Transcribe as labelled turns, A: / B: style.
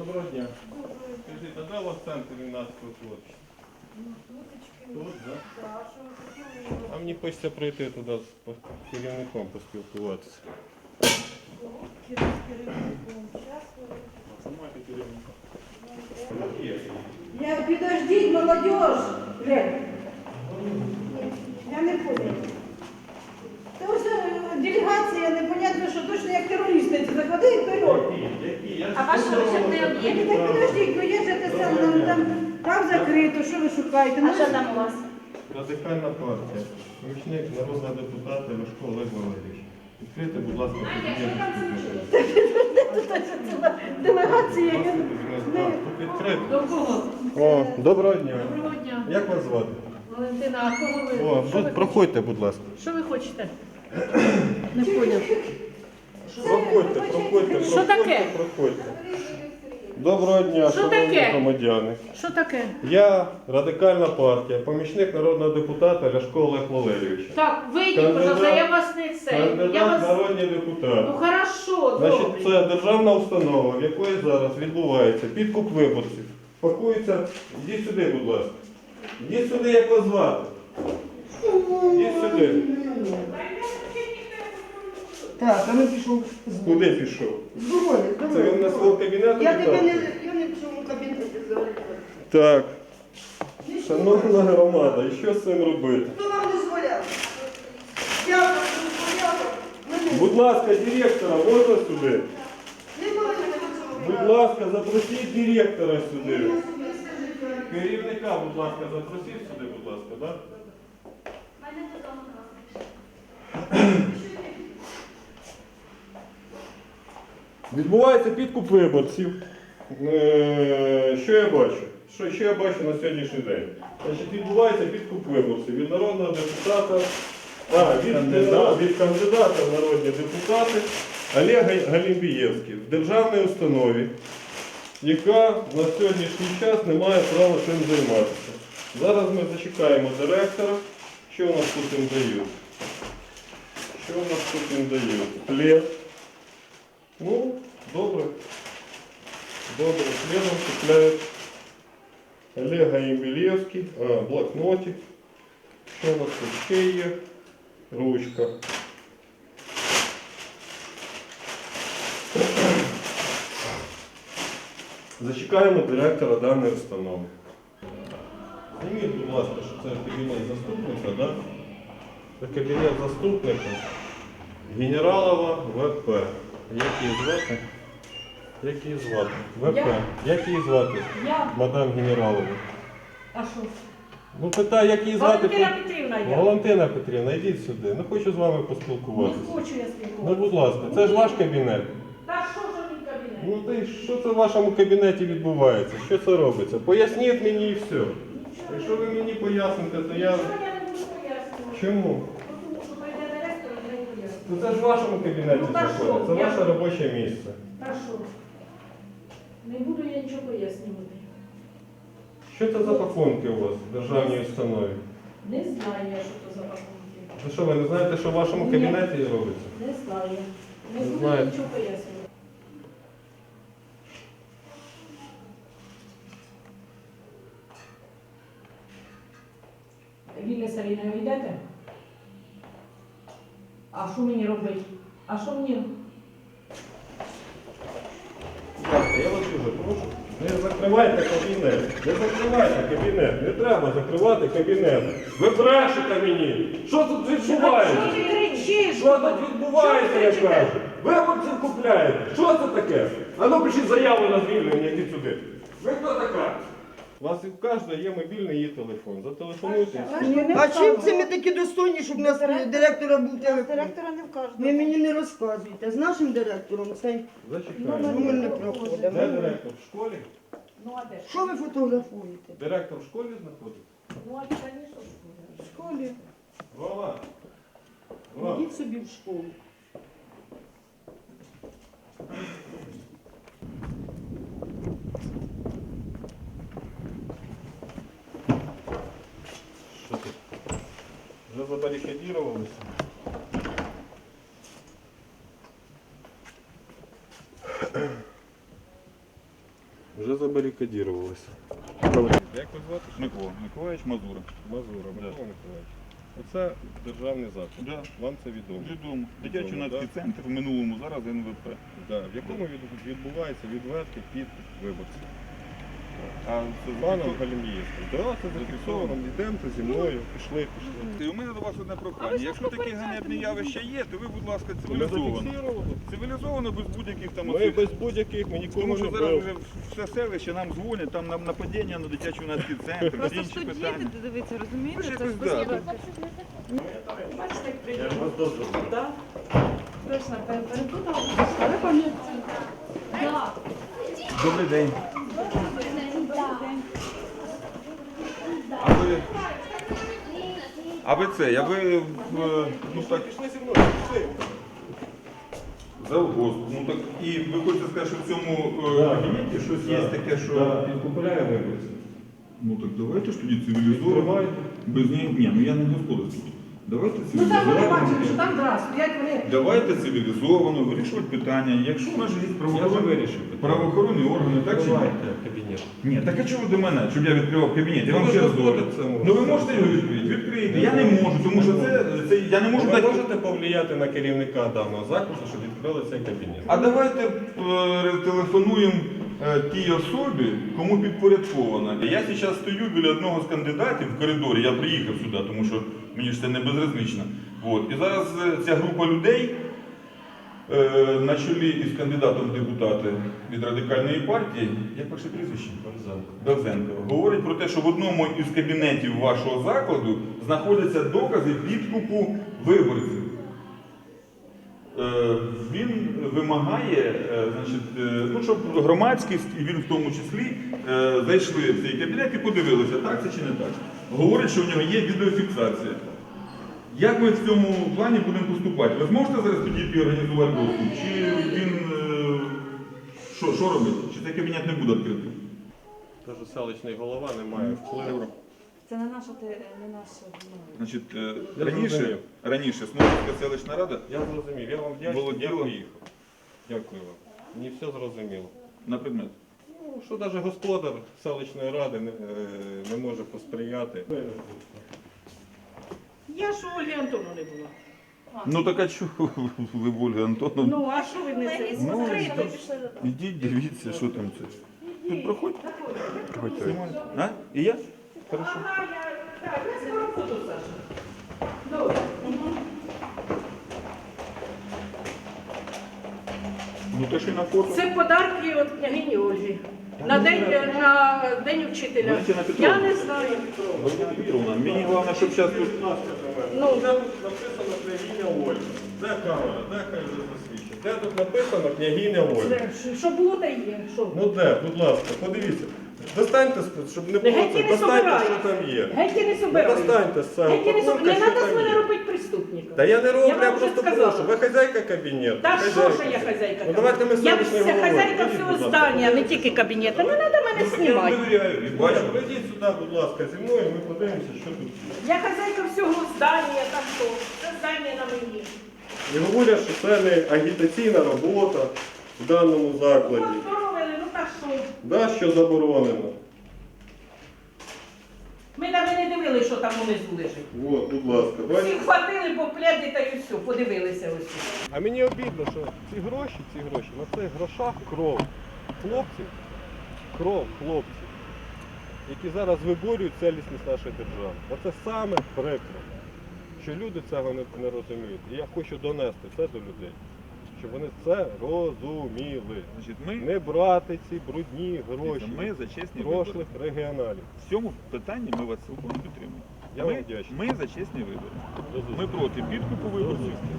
A: Доброго дня. Скажіть, а де у вас центр юнацького творчості? Тут, так? А мені хочеться прийти туди з керівником поспілкуватися. Самайте керівника.
B: Подождите, молодежь! Глянь. Я не понял. Це ось делегація, непонятно, що точно як терористи заходить вперед.
C: А ваш бюджетний об'єкт?
B: Так подождіть, ну є же те саме, там закрито, що ви шукаєте?
C: А що там у вас?
A: Радикальна партія. Помічник народного депутата Ляшко Олег Валерійович. Відкрийте, будь ласка,
B: Делегація.
A: Тут відкрито.
C: До кого?
A: О, доброго дня.
C: Доброго дня.
A: Як вас звати?
C: Валентина, а кого ви?
A: О, тут проходьте, будь ласка.
C: Що ви хочете? Не поняв.
A: Проходьте.
C: Що таке?
A: Проходьте. Доброго дня,
C: Що
A: шановні
C: таке?
A: громадяни.
C: Що таке?
A: Я Радикальна партія, помічник народного депутата Ляшко Олег Валерійович.
C: Так, вийдіть, пожалуйста, я вас не це. Я
A: Кандидат
C: вас...
A: в народні депутати.
C: Ну хорошо,
A: Значить,
C: добре.
A: це державна установа, в якої зараз відбувається підкуп виборців. Пакується. Йдіть сюди, будь ласка. Йдіть сюди, як вас звати. Йдіть сюди.
B: Так, а ми пішов.
A: Куди пішов?
B: Здоров'я,
A: Це він на свого кабінету
B: Я тебе
A: вітав?
B: я не в цьому кабінеті зараз.
A: Так. Шановна громада, і що з цим робити?
B: Хто вам дозволяв? Я вам дозволяла.
A: Будь ласка, директора, можна сюди?
B: Немає цього.
A: Будь ласка, запросіть директора сюди. Керівника, будь ласка, запросіть сюди, будь ласка, так? Відбувається підкуп виборців. Що я бачу? Що я бачу на сьогоднішній день? Значить, відбувається підкуп виборців від народного депутата, від кандидата в народні депутати Олега Галімбієвського в державній установі, яка на сьогоднішній час не має права цим займатися. Зараз ми зачекаємо директора. Що у нас тут їм дають? Що у нас тут їм дають? Плед. Ну, добре. Добре. Пледом купляють Олега Ємбілєвський. Блокнотик. Що у нас тут ще є? Ручка. Зачекаємо директора даної установи. Зніміть, будь ласка, що це кабінет заступника, да? Це кабінет заступника Генералова ВП. Як її звати? Як її звати? ВП. Як її звати?
C: Я?
A: Мадам Генералова.
C: А що?
A: Ну питаю, як її звати?
C: Валентина Петрівна я.
A: Валентина Петрівна, йдіть сюди. Не хочу з вами
C: Не
A: поспілкуватися.
C: хочу я
A: Ну,
C: спілкуватися.
A: будь ласка, це ж ваш кабінет.
C: Та що ж мій кабінет?
A: Ну та й що це в вашому кабінеті відбувається? Що це робиться? Поясніть мені і все. Якщо ви мені поясните, то я...
C: Що я не буду пояснювати?
A: Чому?
C: Тому що прийде директор і не пояснює.
A: Ну це ж в вашому кабінеті
C: Ну, та що?
A: знаходиться, це
C: Я-
A: ваше робоче місце.
C: Та що? Не буду я нічого пояснювати.
A: Що це за пакунки у вас в державній установі?
C: Не знаю я, що це за пакунки.
A: Ви що, ви не знаєте, що в вашому
C: Ні.
A: кабінеті робиться?
C: Не знаю. Не
A: Не
C: буду
A: знаєте.
C: нічого пояснювати. Вільне Саріна, ви йдете? А що мені робити? А що мені?
A: Будь ласка, я вас дуже прошу. Не закривайте кабінет. Не закривайте кабінет. Не треба закривати кабінет. Ви брешете мені. Що тут відбувається?
C: Що ти кричиш?
A: Що тут відбувається, я кажу? Виборців купляєте. Що це таке? А ну пишіть заяву на звільнення, йдіть сюди. Ви хто така? У вас у кожного є мобільний її телефон. Зателефонуйте. і все.
B: А чим це ми такі достойні, щоб у нас директора був телефон?
D: Директора не вкажуть.
B: Ви мені не розказуєте. З нашим директором цей
A: Зачекаємо.
B: номер не
A: Де
B: проходить.
A: директор? В школі?
C: Ну а де ж?
B: Що ви фотографуєте?
A: Директор в школі знаходиться?
C: Ну а звісно,
B: В школі.
A: Вова. Вова.
B: Йдіть собі в школу.
A: Що тут? Вже забарикадірувалися? Вже забарикадірувалися. Як вас звати?
D: Микола Миколаївич Мазура.
A: Мазура,
D: Да.
A: Микола Миколаївич. Оце державний заклад.
D: Да.
A: Вам це відомо.
D: Відомо. Дитячий
A: Відомо,
D: юнацький
A: да?
D: центр в минулому, зараз НВП.
A: Да. В якому відбувається відвертий підкуп виборців.
D: А це
A: Паном Галімієвським. Да, це зафіксовано. Йдемте зі мною, пішли.
D: У мене до вас одне прохання. Якщо такі ганебні явища є, то ви, будь ласка,
A: Ми
D: цивілізовано.
A: зафіксували.
D: Цивілізовано, без будь-яких там
A: Ми
D: оцих.
A: без будь-яких, ми нікому
D: Тому
A: не
D: що зараз
A: били.
D: вже все селище нам дзвонять, там нам нападіння на дитячий юнацький центр, всі
E: Просто в
D: інші
E: суді
D: питання.
E: дивіться,
D: Ви
E: розумієте?
D: ж
E: Це
D: якось,
E: ж
D: да.
C: Бачите, як
A: Я
C: приємно.
A: вас дозволю.
C: Так. Точно, перепутала. Але пам'ятаю. Так.
D: Добрий день. А ви це, ну так,
A: Пішли зі мною, пішли.
D: завгосп. Ну так, і ви хочете сказати, що в цьому кабінеті щось є таке, що...
A: Підкупляє виборців.
D: Ну так давайте ж тоді цивілізовано.
A: Відкривайте.
D: Без ні, ну я не господарський. Давайте
C: Ну там вони
D: цивілізовано.
C: бачили, що там раз, стоять вони.
D: Давайте цивілізовано вирішувати питання. Якщо в нас же є
A: Я вже
D: правоохоронні,
A: вирішив питання.
D: правоохоронні органи, так чи ні?
A: Відкривайте кабінет.
D: Ні, так а чого ви до мене, щоб я відкривав кабінет? Я
A: Ну,
D: вам
A: ви
D: ще
A: ж
D: раз говорю.
A: дозволите це
D: Ну ви
A: можете.
D: можете його відкрити? Відкрити. Я не можу, тому що це я не можу
A: Ви
D: дати.
A: можете повлияти на керівника даного закладу, щоб відкрили цей кабінет?
D: А давайте телефонуємо тій особі, кому підпорядкована. Я зараз стою біля одного з кандидатів в коридорі, я приїхав сюди, тому що мені ж це не безразлично. От. І зараз ця група людей на чолі із кандидатом в депутати від Радикальної партії, як ваше прізвище? Довзенко. Говорить про те, що в одному із кабінетів вашого закладу знаходяться докази підкупу виборців. Він вимагає, ну, щоб громадськість, і він в тому числі, зайшли в цей кабінет і подивилися, так це чи не так. Говорить, що в нього є відеофіксація. Як ми в цьому плані будемо поступати? Ви зможете зараз підійти і організувати доступ? Чи він що робить? Чи цей кабінет не буде відкритий?
A: Кажу, селищний голова не має впливу.
E: Це не наша, не наша.
D: Значить,
A: Я зрозумів.
D: раніше Смолинська селищна рада
A: Я зрозумів, я вам вдячний,
D: Володіла.
A: я поїхав. Дякую вам. Мені все зрозуміло.
D: на предмет.
A: Ну, що навіть господар селищної ради не може посприяти.
C: Я ж у Ольги Антону не була.
D: Ну так а чого ви в Ольги Антоновні?
C: Ну, а що ви не це?
D: Ну,
C: Відкрито.
D: ідіть, дивіться, що там це. Тут проходьте. Проходьте. А? І я? Хорошо.
C: Ага, я скоро буду, Саша. Добре.
D: Ну то що на фото.
C: Це подарки від княгині Ольги. На день вчителя.
D: Валентина Петровна.
C: Я не знаю.
D: Валентина Петровна, мені головне, щоб зараз тут...
C: Ну,
A: Де тут написано княгиня Ольга? Де камера? Де хай вже засвідчить? Де тут написано княгиня Ольга?
C: це, що було, та є. Що?
A: Ну де, будь ласка, подивіться. Достаньте, щоб не було
C: Геть
A: це,
C: не
A: достаньте,
C: собираю.
A: що там є.
C: Геть не
A: Ну,
C: собираю.
A: достаньте з цього
C: Геть не
A: пакунка,
C: собираю. Не
A: що
C: треба з
A: там
C: мене
A: є.
C: робити преступника.
A: Та я не роблю,
C: Я
A: я
C: вам вже
A: просто
C: сказала.
A: прошу. Ви хазяйка кабінету.
C: Та що
A: хазяйка.
C: ж я хазяйка?
A: Ну давайте ми
C: Я
A: селищний
C: вся
A: головою.
C: хазяйка
A: Ідіть,
C: всього
A: будь ласка.
C: здання, не тільки кабінету. Не треба мене
D: Ну, так я вам
C: знімати.
D: довіряю. і
A: Бачу,
D: Бачу.
A: прийдіть сюди, будь ласка, зі мною, ми подивимося, що тут є.
C: Я хазяйка всього здання, там що? Це здання на мені.
A: І говорять, що це не агітаційна робота в даному закладі.
C: Поздоровили, ну та що?
A: Да, що заборонено.
C: Ми навіть не дивилися, що там унизу лежить.
A: От, будь ласка,
C: Всі
A: бачите?
C: хватили по пляді та й все, подивилися ось.
A: А мені обідно, що ці гроші, на цих грошах кров хлопців, які зараз виборюють цілісність нашої держави. Оце саме прикро, що люди цього не розуміють. І я хочу донести це до людей, щоб вони це розуміли.
D: Значить, ми,
A: Не брати ці брудні гроші
D: ми за чесні вибори.
A: прошлих регіоналів.
D: В цьому питанні ми вас цілком підтримуємо.
A: Я вам вдячний.
D: Ми за чесні вибори. Ми проти підкупу виборців.